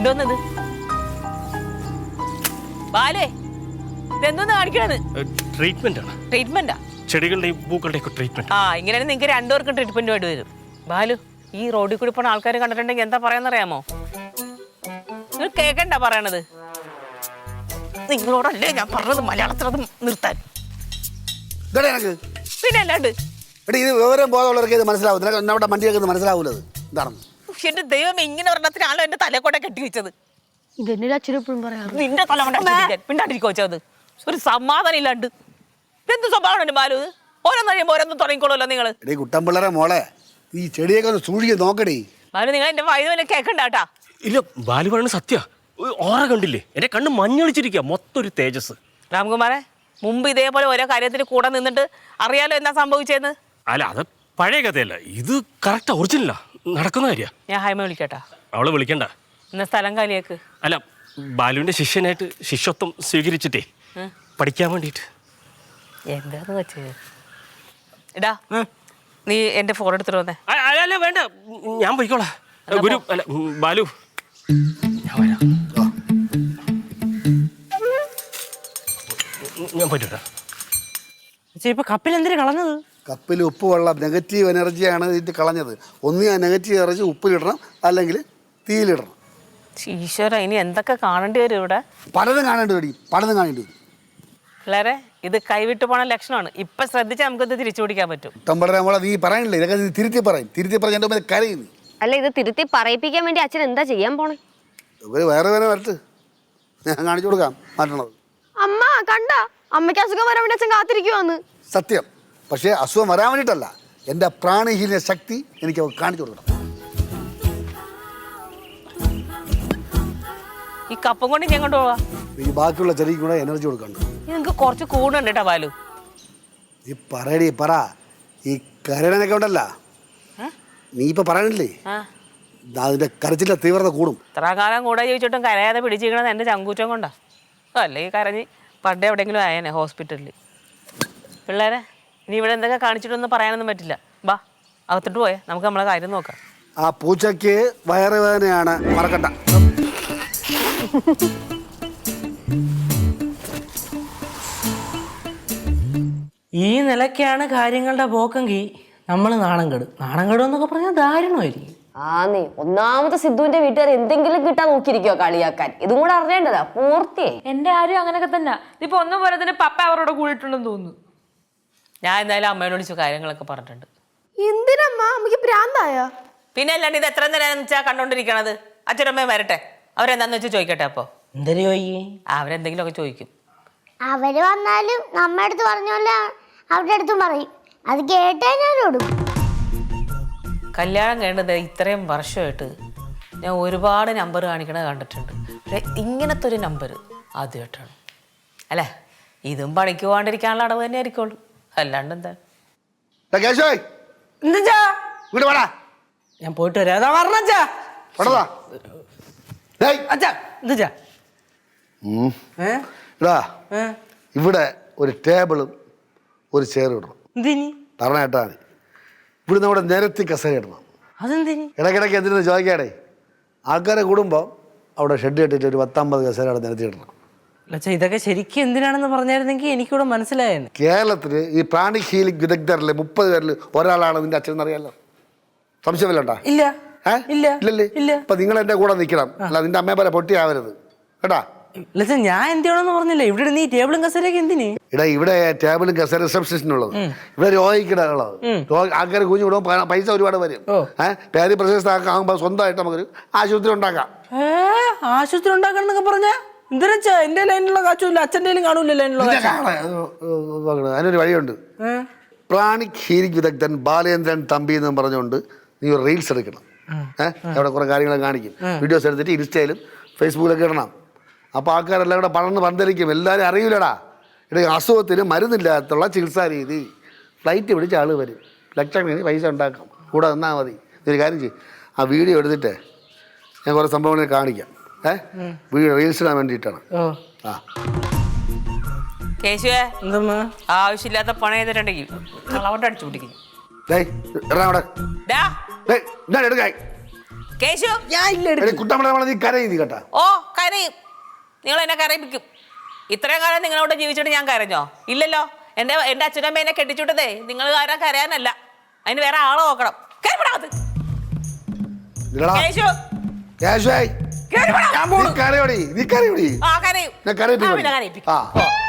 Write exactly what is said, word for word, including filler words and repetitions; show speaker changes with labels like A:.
A: എന്തോന്നത് ബാലേ ഇതെന്തോന്ന് കാണിക്കണത്?
B: ട്രീറ്റ്മെന്റ് ആണ്.
A: ട്രീറ്റ്മെന്റാ?
B: ചെടികളുടെയും പൂക്കളുടെയും ഒക്കെ ട്രീറ്റ്മെന്റ്.
A: ആ ഇങ്ങനെയാണ് നിങ്ങൾക്ക് രണ്ടുപേർക്കും ട്രീറ്റ്മെന്റ് വേണ്ടി വരും. ബാലു, ഈ റോഡിൽ കൂടി പോണ ആൾക്കാർ കണ്ടിട്ടുണ്ടെങ്കിൽ എന്താ പറയാന്നറിയാമോ? നിങ്ങൾ കേക്കണ്ട പറയണത്. നിങ്ങളോടല്ലേ ഞാൻ പറഞ്ഞത് മലയാളത്തിൽ അത് നിർത്താൻ. പിന്നെ അല്ലാണ്ട്
C: ഇത് വിവരം ബോധമുള്ളവർക്ക് ഇത് മനസ്സിലാവും. നമ്മുടെ വണ്ടിയൊക്കെ മനസ്സിലാവൂലത് എന്താണ്.
A: എന്റെ ദൈവം, ഇങ്ങനെ ഒരെണ്ണത്തിനാണോ എന്റെ തലക്കോട്ടെ കെട്ടിവെച്ചത്? നിന്റെ തല പിണ്ടാണ്ടിരിക്കോ വെച്ചത്? ഒരു സമാധാനം ഇല്ലാണ്ട് എന്ത് സ്വഭാവമാണ് ബാലു? ഇത് ഓരോന്ന് കഴിയുമ്പോ ഓരോന്നും തുടങ്ങിക്കോളൂല്ലോ നിങ്ങള്.
C: എടീ കുട്ടമ്പിള്ളരെ മോളെ, ഈ ചെടിയൊക്കെ ഒന്ന് സൂക്ഷിച്ച് നോക്കടി.
A: ബാലു, നിങ്ങൾ എന്റെ വൈദ്യുവിനെ കേക്കണ്ടാട്ടാ.
B: ഇല്ല, ബാലു പറയുന്നത് സത്യ. ഓറ കണ്ടില്ലേ? എന്റെ കണ്ണ് മഞ്ഞളിച്ചിരിക്കുക, മൊത്തം ഒരു തേജസ്.
A: രാംകുമാറെ, മുമ്പ് ഇതേപോലെ ഓരോ കാര്യത്തിന് കൂടെ നിന്നിട്ട് അറിയാലോ എന്താ സംഭവിച്ചതെന്ന്.
B: അല്ല, അത് പഴയ കഥയല്ല, ഇത് കറക്റ്റ് ഒറിജിനലാ, നടക്കുന്ന കാര്യ.
A: ഞാൻ ഹൈമ വിളിക്കട്ടാ?
B: അവളെ വിളിക്കണ്ട.
A: ഇന്ന സ്ഥലം കാലിയേക്ക്.
B: അല്ല, ബാലുവിന്റെ ശിഷ്യനായിട്ട് ശിഷ്യത്വം സ്വീകരിച്ചിട്ടേ പഠിക്കാൻ വേണ്ടിട്ട്.
A: എന്താന്ന് വെച്ചത്? ഇടാ, നീ എന്റെ ഫോൺ എടുത്തിട്ട് വന്നേ.
B: അല്ല വേണ്ട, ഞാൻ പോയിക്കോളാം. ഗുരു അല്ല ബാലു, ഞാൻ വരാം. ഞാൻ പോയിട്ട് വരാം.
A: ഇപ്പൊ കപ്പിൽ എന്തിനാ കളഞ്ഞത്?
C: കപ്പിൽ ഉപ്പ് വെള്ളം നെഗറ്റീവ് എനർജിയാണ് ഇതിട്ട് കളഞ്ഞത്. ഒന്ന് ആ നെഗറ്റീവ് എനർജി ഉപ്പിലിടണം, അല്ലെങ്കിൽ തീയിലിടണം.
A: ഈശ്വര, ഇനി എന്തൊക്കെ കാണേണ്ടി വരും ഇവിടെ?
C: പലതും കാണേണ്ടി വരും, പലതും കാണേണ്ടി വരും.
A: പിള്ളേരെ, ഇത് കൈവിട്ട് പോണ ലക്ഷണമാണ്. ഇപ്പൊ ശ്രദ്ധിച്ചാൽ നമുക്കിത് തിരിച്ചു പിടിക്കാൻ പറ്റും.
C: കുട്ടമ്പിള്ളരെ മോളെ, നീ പറയണില്ലേ? ഇതൊക്കെ തിരുത്തി പറയും. തിരുത്തി പറഞ്ഞ എൻ്റെ മേലെ കരയുന്നു.
D: അല്ല, ഇത് തിരുത്തി പറയിപ്പിക്കാൻ വേണ്ടി അച്ഛൻ എന്താ ചെയ്യാൻ പോണേ?
C: ഇവര് വേറെ വേറെ വരട്ട്, ഞാൻ കാണിച്ചു കൊടുക്കാം മാറ്റണത്.
D: അമ്മ കണ്ട, അമ്മയ്ക്ക് അസുഖം വരാൻ വേണ്ടി അച്ഛൻ കാത്തിരിക്കുവാന്ന്.
C: സത്യം. പക്ഷേ അസുഖം വരാൻ വേണ്ടിയിട്ടല്ല, എൻ്റെ പ്രാണിഹീന ശക്തി എനിക്ക് കാണിച്ചു കൊടുക്കണം.
A: ഈ കപ്പം കൊണ്ട് ഞാൻ കൊണ്ടുപോവാ.
C: ഈ ബാക്കിയുള്ള ചെടിക്ക് കൂടെ എനർജി കൊടുക്കണ്ട.
A: നിങ്ങൾക്ക് കുറച്ച് കൂടുണ്ട് കേട്ടോ ബാലു.
C: നീ പറയടി, പറ. ഈ കരടനൊക്കെ ഉണ്ടല്ല, നീ ഇപ്പൊ പറയണില്ലേ, അതിന്റെ കരച്ചിന്റെ തീവ്രത കൂടും.
A: ഇത്ര കാലം കൂടെ ചോദിച്ചിട്ടും കരയാതെ പിടിച്ചിരിക്കണത് എൻ്റെ ചങ്കൂറ്റം കൊണ്ടാ. അല്ലെങ്കിൽ കരഞ്ഞ് പണ്ടേ എവിടെയെങ്കിലും ആയേനെ ഹോസ്പിറ്റലിൽ. പിള്ളേരെ, ഇനി ഇവിടെ എന്തൊക്കെ കാണിച്ചിട്ടൊന്നും പറയാനൊന്നും പറ്റില്ല. ബാ, അകത്തോട്ട് പോയേ, നമുക്ക് നമ്മളെ കാര്യം നോക്കാം.
C: ആ പൂച്ചയ്ക്ക് വയറുവേദനയാണ്, മറക്കണ്ട.
E: ഈ നിലയ്ക്കാണ് കാര്യങ്ങളുടെ പോക്കെങ്കിൽ നമ്മൾ നാണം കെടും. നാണം കെടും എന്നൊക്കെ പറഞ്ഞാൽ ദാരുണമായിരിക്കും.
D: ആന്നേ, ഒന്നാമത്തെ സിദ്ധുവിന്റെ വീട്ടുകാർ എന്തെങ്കിലും കിട്ടാൻ നോക്കിയിരിക്കോ കളിയാക്കാൻ. ഇതും കൂടെ അറിയേണ്ടതാ പൂർത്തിയായി.
F: എന്റെ ആരും അങ്ങനെയൊക്കെ തന്നെ. ഇപ്പൊ ഒന്നും പോലെ തന്നെ പപ്പ അവരോട് കൂടിയിട്ടുണ്ടെന്ന് തോന്നുന്നു.
A: ഞാൻ എന്തായാലും അമ്മയോട് വിളിച്ചു കാര്യങ്ങളൊക്കെ പറഞ്ഞിട്ടുണ്ട്.
D: എന്തിനമ്മ, അമ്മക്ക് ഭ്രാന്തായ?
A: പിന്നെ അല്ലാണ്ട് ഇത് എത്ര നേരം വെച്ചാൽ കണ്ടോണ്ടിരിക്കണത്? അച്ഛനമ്മയും വരട്ടെ, അവരെന്താന്ന് വെച്ചാൽ ചോദിക്കട്ടെ. അപ്പൊ
E: എന്തൊരു ചോദിക്കേ?
A: അവരെന്തെങ്കിലും ഒക്കെ ചോദിക്കും.
G: അവര് വന്നാലും നമ്മുടെ അടുത്ത് പറഞ്ഞോല്ല അവരുടെ അടുത്തും പറയും. അത് കേട്ടാ ഞാനോടും.
A: കല്യാണം കേണ്ടത് ഇത്രയും വർഷമായിട്ട് ഞാൻ ഒരുപാട് നമ്പർ കാണിക്കണത് കണ്ടിട്ടുണ്ട്. പക്ഷെ ഇങ്ങനത്തെ ഒരു നമ്പർ ആദ്യമായിട്ടാണ്. അല്ലേ, ഇതും പണിക്ക് പോകാണ്ടിരിക്കാനുള്ള അടവ് തന്നെ ആയിരിക്കുള്ളൂ, അല്ലാണ്ട് എന്താ.
E: ഞാൻ പോയിട്ട് വരാം.
C: ഇവിടെ ഒരു ടേബിളും ഒരു ചെയറും ഇടണം. പറഞ്ഞേട്ടാണ് ഇവിടെ നമ്മുടെ നിരത്തി കസേര ഇടണം.
E: അതെന്തിന്?
C: ഇടയ്ക്കിടയ്ക്ക് എന്തിനു ചോദിക്കാടേ, ആൾക്കാരെ കൂടുമ്പോൾ അവിടെ ഷെഡ് കെട്ടിട്ട് ഒരു പത്തമ്പത് കസേര അവിടെ നിരത്തി ഇടണം.
E: ഇതൊക്കെ ശരിക്കും എന്തിനാണെന്ന് പറഞ്ഞായിരുന്നെങ്കിൽ എനിക്കിവിടെ മനസ്സിലായെന്ന്.
C: കേരളത്തിൽ ഈ പ്രാണി ഹീലിംഗ് വിദഗ്ധരിലെ മുപ്പത് പേരിൽ ഒരാളാണ് നിന്റെ അച്ഛൻ എന്നറിയാലോ. സംശയമില്ലണ്ടാ?
E: ഇല്ല.
C: ഇല്ലല്ലേ? അപ്പൊ നിങ്ങൾ എന്റെ കൂടെ നിൽക്കണം, അല്ല നിന്റെ അമ്മയെ പോലെ പൊട്ടിയാവരുത് കേട്ടാ.
E: ഞാൻ എന്തിനാണെന്ന് പറഞ്ഞില്ല. ഇവിടെ നീ ടേബിളും കസേരയൊക്കെ എന്തിന്?
C: ഇടാ, ഇവിടെ ടേബിളും കസേര റിസപ്ഷനിസ്റ്റിനുള്ളത്. ഇവിടെ രോഗിക്കിടകളത്. ആൾക്കാർ കുഞ്ഞു വിടുമ്പോൾ പൈസ ഒരുപാട് വരും. ഏഹ് പേര് പ്രശസ്തമാകുമ്പോൾ സ്വന്തമായിട്ട് നമുക്കൊരു ആശുപത്രി ഉണ്ടാക്കാം.
E: ആശുപത്രി ഉണ്ടാക്കണം എന്നൊക്കെ പറഞ്ഞാ എന്തിനാ? എന്റെ ലൈനിലുള്ള കാശുമില്ല, അച്ഛൻ്റെ കാണൂല ലൈനിലുള്ള.
C: അതിനൊരു വഴിയുണ്ട്. പ്രാണിക് ഹീലിംഗ് വിദഗ്ധൻ ബാലേന്ദ്രൻ തമ്പി എന്ന് പറഞ്ഞുകൊണ്ട് നീ ഒരു റീൽസ് എടുക്കണം. ഏഹ് അവിടെ കുറെ കാര്യങ്ങൾ കാണിക്കും. വീഡിയോസ് എടുത്തിട്ട് ഇൻസ്റ്റയിലും ഫേസ്ബുക്കിലൊക്കെ ഇടണം. അപ്പോൾ ആൾക്കാരെല്ലാം കൂടെ പടർന്ന് പന്തലിക്കും. എല്ലാവരും അറിയില്ലടാ. ഇവിടെ അസുഖത്തിന് മരുന്നില്ലാത്തുള്ള ചികിത്സാ രീതി. ഫ്ലൈറ്റ് പിടിച്ച ആൾ വരും, ലക്ഷക്കണക്കിന് പൈസ ഉണ്ടാക്കാം. കൂടെ നിന്നാൽ മതി. ഇതൊരു കാര്യം ചെയ്യും, ആ വീഡിയോ എടുത്തിട്ട് ഞാൻ കുറേ സംഭവങ്ങൾ കാണിക്കാം. ഏഹ് വീഡിയോ റീൽസ് ഇടാൻ വേണ്ടിയിട്ടാണ്. ആ
A: കേശുവേ, ആവശ്യമില്ലാത്ത പണം ചെയ്തിട്ടുണ്ടെങ്കിൽ കളവട്ട് അടിച്ചു പിടിക്കും.
C: എടുക്കായി
A: കേശു
E: ഞാൻ ഇല്ല
C: എടി കുട്ടമ്മളെ നീ കരയും നീ കേട്ടാ.
A: ഓ കരയും. നിങ്ങൾ എന്നെ കരയിപ്പിക്കും. ഇത്രയും കാലം നിങ്ങളോട് ജീവിച്ചിട്ട് ഞാൻ കരഞ്ഞോ? ഇല്ലല്ലോ. എൻ്റെ എൻ്റെ അച്ഛനമ്മ എന്നെ കെട്ടിച്ചുട്ടതേ നിങ്ങൾ കാരണം കരയാനല്ല, അതിന് വേറെ ആളെ നോക്കണം. കേറിപ്പെടാത്.
C: ഇല്ലടാ.
A: കേശു
C: കേശുവായി.
A: കേറിപ്പെടാ.
C: നീ കരയോടി നീ കരയോടി
A: ആ കരയും.
C: ഞാൻ കരയിപ്പിക്കും.
A: ആ, പിന്നെ കരയിപ്പിക്കും.
C: ആ.
A: ഓ.